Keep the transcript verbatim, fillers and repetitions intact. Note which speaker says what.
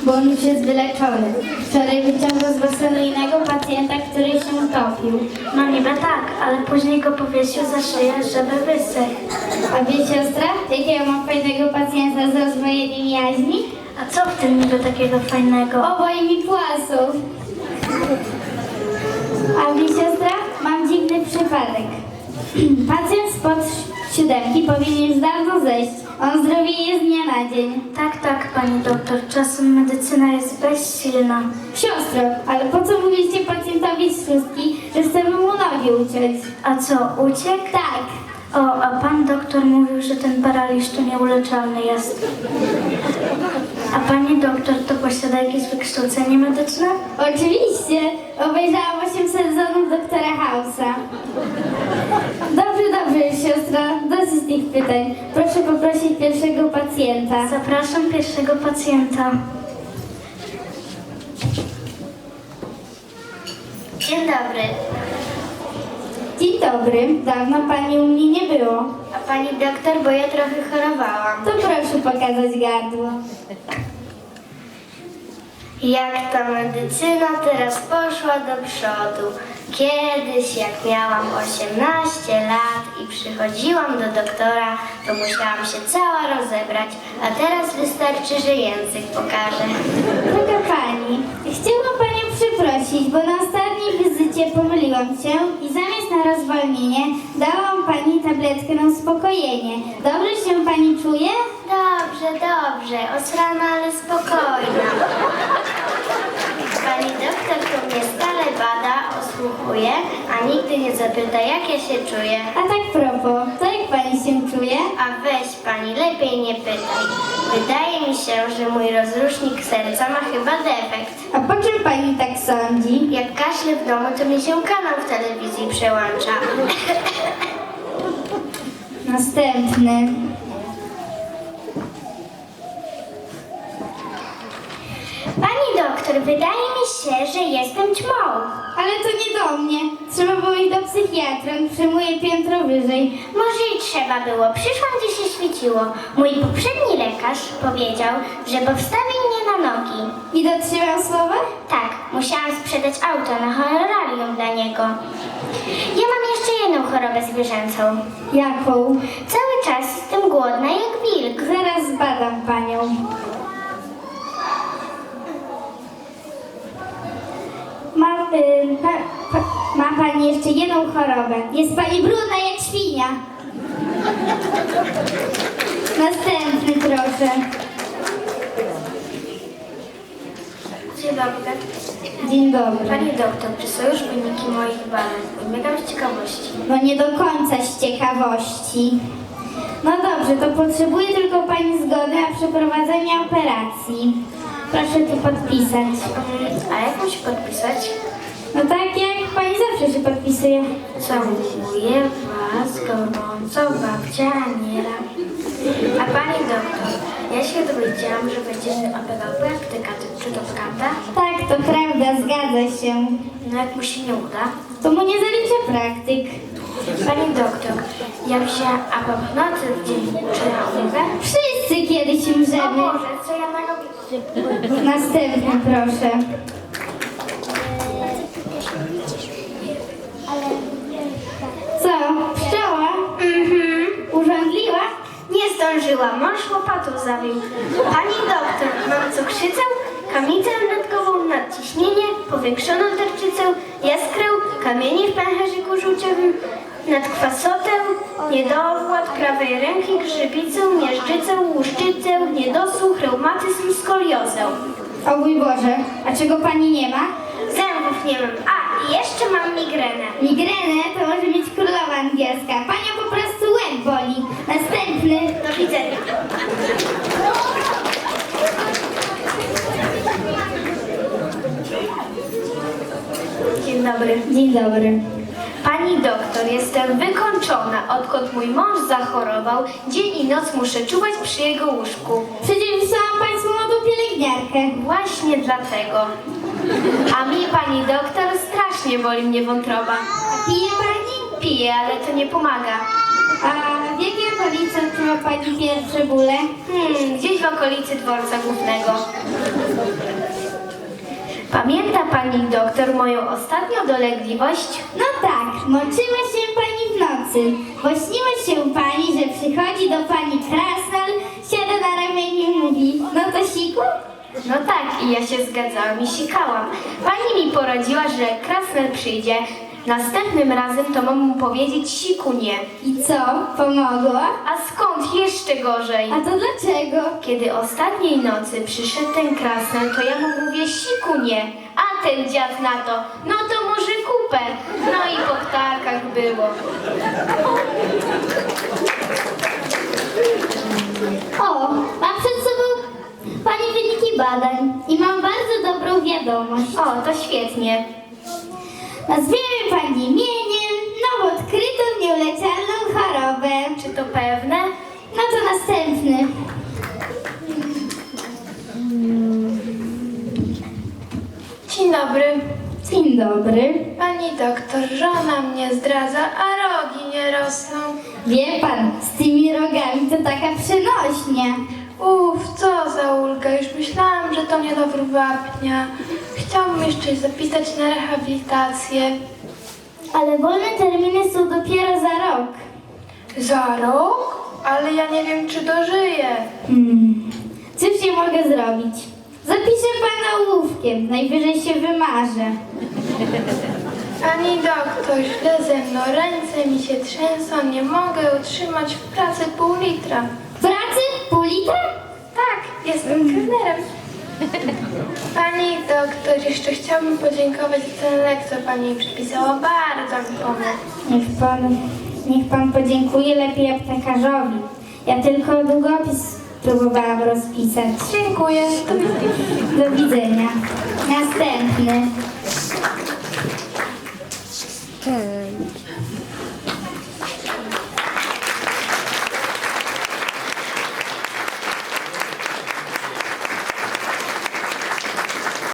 Speaker 1: bo on już jest wyleczony. Wczoraj wyciągnął z basenu innego pacjenta, który się utopił.
Speaker 2: No niby tak, ale później go powiesił za szyję, żeby wysechł.
Speaker 1: A wie siostra, jakiego mam fajnego pacjenta z rozwojeniem jaźni?
Speaker 2: A co w tym niby takiego fajnego?
Speaker 1: Obaj mi płacą. A wie siostra, mam dziwny przypadek. Pacjent spod siódemki powinien już dawno zejść. On zdrowieje z dnia na dzień.
Speaker 2: Tak, tak, pani doktor, czasem medycyna jest bezsilna.
Speaker 1: Siostro, ale po co mówiliście pacjentowi z szóstki, że chcemy mu nogi uciąć?
Speaker 2: A co, uciekł?
Speaker 1: Tak.
Speaker 2: O, a pan doktor mówił, że ten paraliż to nieuleczalny jest. A pani doktor to posiada jakieś wykształcenie medyczne?
Speaker 1: Oczywiście. Obejrzałam osiem sezonów doktora House'a. Dobrze, dobrze, siostra. Dosyć tych pytań. Proszę poprosić pierwszego pacjenta.
Speaker 2: Zapraszam pierwszego pacjenta. Dzień dobry.
Speaker 1: Dzień dobry. Dawno pani u mnie nie było.
Speaker 2: A pani doktor, bo ja trochę chorowałam.
Speaker 1: To proszę pokazać gardło.
Speaker 2: Jak ta medycyna teraz poszła do przodu. Kiedyś, jak miałam osiemnaście lat i przychodziłam do doktora, to musiałam się cała rozebrać, a teraz wystarczy, że język pokaże.
Speaker 1: Droga pani, chciałam panią przeprosić, bo na ostatniej wizycie pomyliłam się i zamiast na rozwolnienie dałam pani tabletkę na uspokojenie. Dobrze się pani czuje?
Speaker 2: Dobrze, dobrze, osrana, ale spokojna. Pani doktor to mnie stale bada, osłuchuje, a nigdy nie zapyta, jak ja się czuję.
Speaker 1: A tak propos, to jak pani się czuje?
Speaker 2: A weź pani, lepiej nie pytaj. Wydaje mi się, że mój rozrusznik serca ma chyba defekt.
Speaker 1: A po czym pani tak sądzi?
Speaker 2: Jak kaszlę w domu, to mi się kanał w telewizji przełącza.
Speaker 1: Następny.
Speaker 2: Pani doktor, wydaje mi się, że jestem ćmą.
Speaker 1: Ale to nie do mnie. Trzeba było iść do psychiatra, on przyjmuje piętro wyżej.
Speaker 2: Może i trzeba było. Przyszłam, gdzie się świeciło. Mój poprzedni lekarz powiedział, że powstawi mnie na nogi.
Speaker 1: I dotrzymał słowa?
Speaker 2: Tak, musiałam sprzedać auto na honorarium dla niego. Ja mam jeszcze jedną chorobę zwierzęcą.
Speaker 1: Jaką?
Speaker 2: Cały czas jestem głodna jak wilk.
Speaker 1: Zaraz zbadam panią. Ma, y, pa, pa, ma pani jeszcze jedną chorobę. Jest pani brudna jak świnia. Następny proszę.
Speaker 2: Dzień dobry.
Speaker 1: Dzień dobry.
Speaker 2: Pani doktor, czy są już wyniki moich badań? Biegam z ciekawości.
Speaker 1: No nie do końca z ciekawości. No dobrze, to potrzebuję tylko pani zgody na przeprowadzenie operacji. Proszę tu podpisać.
Speaker 2: Um, a jak muszę podpisać?
Speaker 1: No tak jak pani zawsze się podpisuje.
Speaker 2: Całuję was gorąco, babcia Aniela. A pani doktor, ja się dowiedziałam, że będzie operował praktyka. Czy to prawda?
Speaker 1: Tak, to prawda, zgadza się.
Speaker 2: No jak mu się nie uda?
Speaker 1: To mu nie zaliczę praktyk.
Speaker 2: Pani doktor, jak się apopnocy w dzień czy na umrę?
Speaker 1: Wszyscy kiedyś
Speaker 2: O
Speaker 1: umrzemy.
Speaker 2: Boże, co ja na robię?
Speaker 1: Następny proszę. Co? Pszczoła?
Speaker 2: Mhm.
Speaker 1: Urządliła?
Speaker 2: Nie zdążyłam, mąż łopatą zawił. Pani doktor, mam cukrzycę, kamicę natkową, nadciśnienie, powiększoną tarczycę, jaskrę, kamienie w pęcherzyku żółciowym, nadkwasotę, niedowład prawej ręki, grzybicę, miażdżycę, łuszczycę, niedosłuch, reumatyzm, skoliozę.
Speaker 1: O mój Boże, a czego pani nie ma?
Speaker 2: Zębów nie mam. A, i jeszcze mam migrenę.
Speaker 1: Migrenę to może mieć królowa angielska. Panią po prostu łeb boli. Następny.
Speaker 2: Do widzenia. Dzień dobry.
Speaker 1: Dzień dobry.
Speaker 2: Pani doktor, jestem wykończona. Odkąd mój mąż zachorował, dzień i noc muszę czuwać przy jego łóżku.
Speaker 1: Przecież wysłałam państwu młodą pielęgniarkę.
Speaker 2: Właśnie dlatego. A mi, pani doktor, strasznie boli mnie wątroba.
Speaker 1: A pije pani?
Speaker 2: Piję, ale to nie pomaga.
Speaker 1: A w jakiej okolicy odczuwa pani pierwsze bóle?
Speaker 2: Hmm, gdzieś w okolicy dworca głównego. Pamięta pani doktor moją ostatnią dolegliwość?
Speaker 1: No tak, moczyła się pani w nocy, bo śniło się pani, że przychodzi do pani krasnal, siada na ramieniu i mówi, no to siku?
Speaker 2: No tak, i ja się zgadzałam i sikałam. Pani mi poradziła, że krasnal przyjdzie. Następnym razem to mam mu powiedzieć siku nie.
Speaker 1: I co, pomogło?
Speaker 2: A skąd jeszcze gorzej?
Speaker 1: A to dlaczego?
Speaker 2: Kiedy ostatniej nocy przyszedł ten krasnal, to ja mu mówię siku nie. A ten dziad na to, no to może kupę. No i po ptakach było.
Speaker 1: O, mam przed sobą pani wyniki badań i mam bardzo dobrą wiadomość.
Speaker 2: O, to świetnie.
Speaker 1: Nazwiemy pani imieniem nowo odkrytą nieuleczalną chorobę.
Speaker 2: Czy to pewne?
Speaker 1: No to następny.
Speaker 3: Dzień dobry.
Speaker 1: Dzień dobry.
Speaker 3: Pani doktor, żona mnie zdradza, a rogi nie rosną.
Speaker 1: Wie pan, z tymi rogami to taka przenośnia.
Speaker 3: Uff, co za ulga, już myślałam, że to niedobór wapnia. Chciałabym jeszcze zapisać na rehabilitację.
Speaker 1: Ale wolne terminy są dopiero za rok.
Speaker 3: Za rok? Ale ja nie wiem, czy dożyję.
Speaker 1: Hmm. Cóż ja mogę zrobić? Zapiszę pana ołówkiem, najwyżej się wymarzę.
Speaker 3: Pani doktor, źle ze mną, ręce mi się trzęsą, nie mogę utrzymać w pracy pół litra.
Speaker 1: W pracy? Pół litra?
Speaker 3: Tak, jestem kelnerem. Pani doktor, jeszcze chciałabym podziękować za ten lek, co pani mi przepisała. Bardzo mi pomógł.
Speaker 1: Niech pan, niech pan podziękuje lepiej aptekarzowi. Ja tylko długopis próbowałam rozpisać.
Speaker 3: Dziękuję. Do widzenia.
Speaker 1: Do widzenia. Następny.
Speaker 4: Hmm.